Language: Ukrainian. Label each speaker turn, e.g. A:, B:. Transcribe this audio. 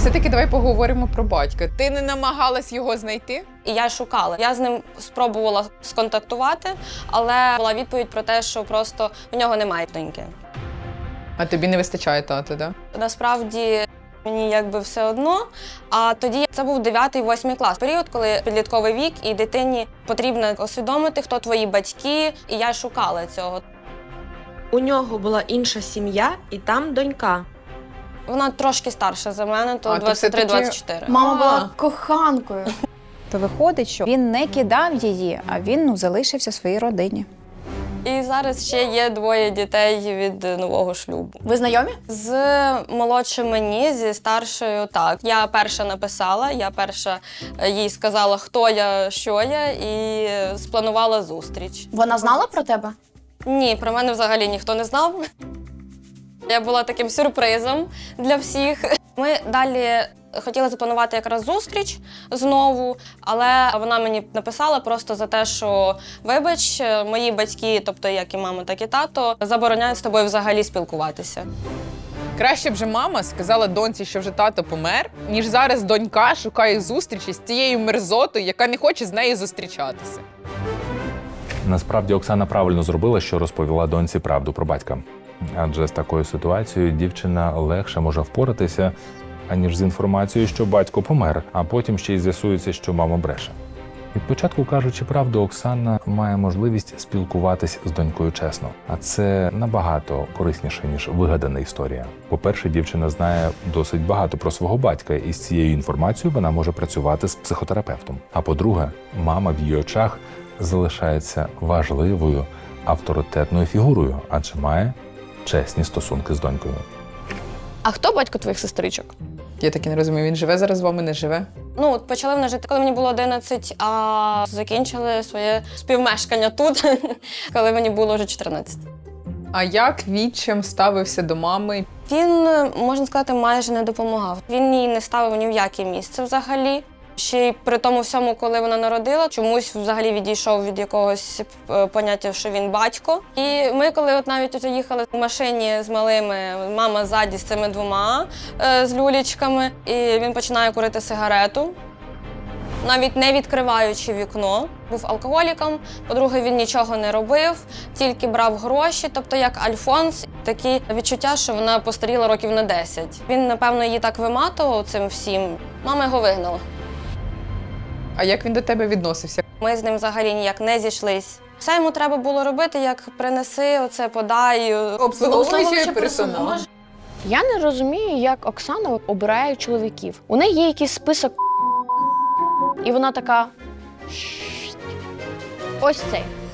A: Все-таки давай поговоримо про батька. Ти не намагалась його знайти?
B: І я шукала. Я з ним спробувала сконтактувати, але була відповідь про те, що просто в нього немає доньки.
A: А тобі не вистачає тата, да?
B: Насправді мені якби все одно. А тоді це був 9-8 клас. Період, коли підлітковий вік і дитині потрібно усвідомити, хто твої батьки. І я шукала цього.
C: У нього була інша сім'я і там донька.
B: Вона трошки старша за мене, то
A: А, то все-таки
B: 23-24.
D: Мама була коханкою.
E: То виходить, що він не кидав її, а він залишився своїй родині.
B: І зараз ще є 2 дітей від нового шлюбу.
D: Ви знайомі?
B: З молодшим мені, зі старшою так. Я перша написала, я перша їй сказала, хто я, що я, і спланувала зустріч.
D: Вона знала про тебе?
B: Ні, про мене взагалі ніхто не знав. Я була таким сюрпризом для всіх. Ми далі хотіли запланувати якраз зустріч знову, але вона мені написала просто за те, що вибач, мої батьки, тобто як і мама, так і тато, забороняють з тобою взагалі спілкуватися.
A: Краще б же мама сказала доньці, що вже тато помер, ніж зараз донька шукає зустрічі з тією мерзотою, яка не хоче з нею зустрічатися.
F: Насправді Оксана правильно зробила, що розповіла доньці правду про батька. Адже з такою ситуацією дівчина легше може впоратися, аніж з інформацією, що батько помер, а потім ще й з'ясується, що мама бреше. Від початку кажучи правду, Оксана має можливість спілкуватись з донькою чесно. А це набагато корисніше, ніж вигадана історія. По-перше, дівчина знає досить багато про свого батька, і з цією інформацією вона може працювати з психотерапевтом. А по-друге, мама в її очах залишається важливою, авторитетною фігурою, адже має чесні стосунки з донькою.
D: А хто батько твоїх сестричок?
A: Я так і не розумію, він живе зараз з вами, не живе?
B: Ну, от почали вони жити, коли мені було 11, а закінчили своє співмешкання тут, коли мені було вже 14.
A: А як відчим ставився до мами?
B: Він, можна сказати, майже не допомагав. Він її не ставив ні в яке місце взагалі. Ще й при тому всьому, коли вона народила, чомусь взагалі відійшов від якогось поняття, що він батько. І ми, коли от навіть їхали в машині з малими, мама ззаді з цими 2 з люлічками, і він починає курити сигарету, навіть не відкриваючи вікно. Був алкоголіком, по-друге, він нічого не робив, тільки брав гроші, тобто як Альфонс. Такі відчуття, що вона постаріла років на 10. Він, напевно, її так виматував цим всім. Мама його вигнала.
A: А як він до тебе відносився?
B: Ми з ним взагалі ніяк не зійшлись. Все йому треба було робити, як принеси, оце подай.
A: Обслуговуючий персонал.
D: Я не розумію, як Оксана обирає чоловіків. У неї є якийсь список, і вона така. Ось цей.